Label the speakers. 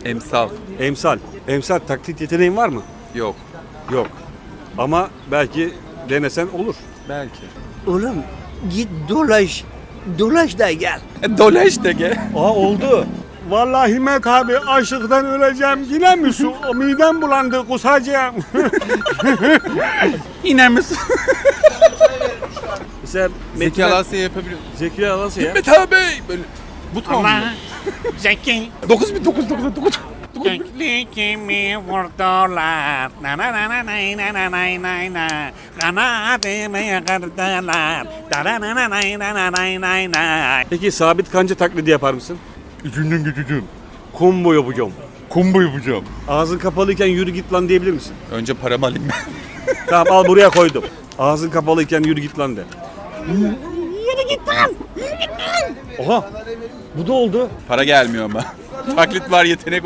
Speaker 1: Emsal.
Speaker 2: Emsal. Emsal taklit yeteneğin var mı?
Speaker 1: Yok.
Speaker 2: Yok. Ama belki denesen olur.
Speaker 1: Belki.
Speaker 3: Oğlum git dolaş. Dolaş da gel.
Speaker 1: Dolaş de gel.
Speaker 2: Aa oldu. Vallahi Himmet abi açlıktan öleceğim. Yine mi su? Midem bulandı kusacağım.
Speaker 1: İner misin?
Speaker 2: Mesela
Speaker 1: Zeki Alasya yapabiliyor.
Speaker 2: Zeki Alasya ya.
Speaker 1: Mehmet abi böyle. Bu tamam mı?
Speaker 3: Zeki.
Speaker 1: 9999.
Speaker 3: Keklikimi vurdular. Na na na na nay na na nay nay na. Kanadımı kırdılar. Da na na na nay na na nay nay na.
Speaker 2: Peki Sabit Kanca taklidi yapar mısın?
Speaker 1: İçinden geçeceğim.
Speaker 2: Combo yapacağım.
Speaker 1: Combo yapacağım.
Speaker 2: Ağzın kapalıyken yürü git lan diyebilir misin?
Speaker 1: Önce paramı alayım ben.
Speaker 2: Tamam al buraya koydum. Ağzın kapalıyken yürü git lan de.
Speaker 3: Yürü git lan.
Speaker 2: Oha. Bu da oldu.
Speaker 1: Para gelmiyor ama. Taklit var, yetenek